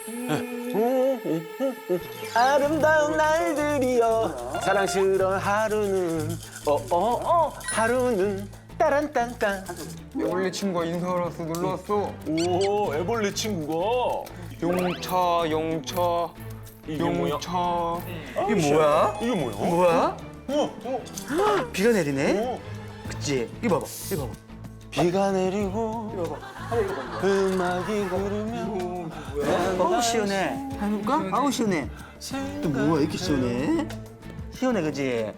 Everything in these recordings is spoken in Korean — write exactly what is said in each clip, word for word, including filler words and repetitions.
아름다운 날들이여 사랑스러운 하루는 어어어 하루는 따란딴딴. 원래 친구가 인사하러 왔어, 놀러 왔어. 오 애벌레 친구가 용차, 용차, 이게 뭐야? 용차. 이게 뭐야? 이게 뭐야? 뭐야? 어, 비가 내리네? 어. 그치? 이거 봐봐, 이거 봐봐. 비가 내리고 음악이 흐르면 어우 시원해. 해볼까? 아우 시원해. 또 뭐야 이렇게 시원해? 시원해 그지?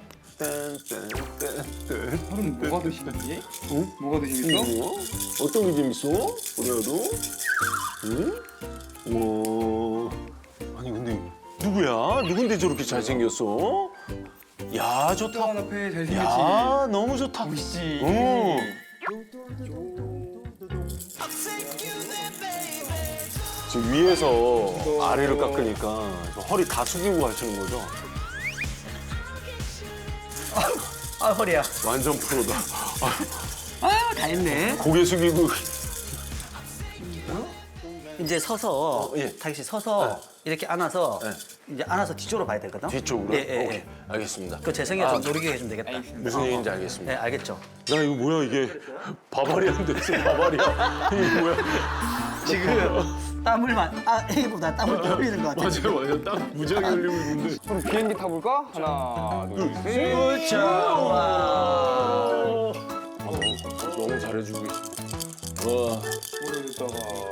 딴딴딴딴. 하루는 뭐가 더 재밌지? 응? 뭐가 더 재밌어? 뭐? 어떤 게 재밌어? 우리야도? 응? 와. 아니 근데 누구야? 누군데 저렇게 잘생겼어? 야 좋다. 또 앞에 잘생겼지. 야 너무 좋다. 멋있지. 어. 지금 위에서 아래를 깎으니까 허리 다 숙이고 하시는 거죠? 아 허리야. 완전 프로다. 아유 다 했네. 고개 숙이고. 이제 서서 어, 예. 다기 씨 서서 이렇게 안아서 이제 안아서 뒤쪽으로 봐야 되거든. 뒤쪽으로? 예, 예, 오케이. 예. 알겠습니다. 그 재성이가 아, 좀 노리게 해주면 되겠다. 무슨 얘기인지 알겠습니다. 네 알겠죠. 나 이거 뭐야 이게 바바리안 됐어 바바리안. 이게 뭐야? 지금 땀을 만, 아 이보다 땀을 더 흘리는 것 같아. 맞아요 맞아요. 딱 무지하게 흘리고 있는데. 그럼 비행기 타볼까? 하나, 둘, 셋. 그렇죠. 와. 너무 잘해주고 계십니다. 와. 오래됐다가.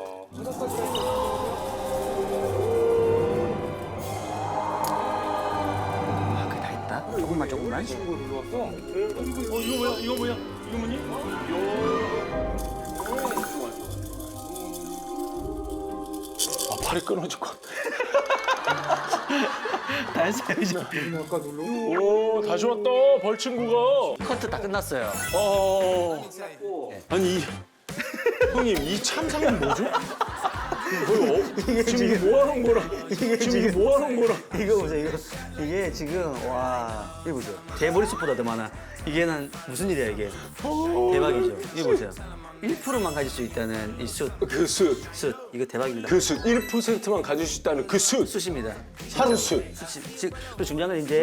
아 그게 다 했다. 조금만 조금만. 친구 놀러 왔어? 어 이거 뭐야 이거 뭐야 이거 뭐니? 아 팔이 끊어질 것 같아. 다 했어요 이제. 아까 놀러 오 다시 왔다 벌친구가. 커트 다 끝났어요. 어. 아니 이, 형님 이 참상은 뭐죠? 거의 어, 지금 뭐 하는 거라? 지금 뭐 하는 거라? 이거 보세요 이거 이게 지금 와 이거 보세요 제 머릿속보다 더 많아. 이게는 무슨 일이야 이게. 대박이죠. 이거 보세요. 일 퍼센트만 가질 수 있다는 이 숫. 그 숫, 숫 이거 대박입니다. 그 숫, 일 퍼센트만 가질 수 있다는 그 숫, 숫입니다. 하루 숫. 숫이 즉, 그 중요한 건 이제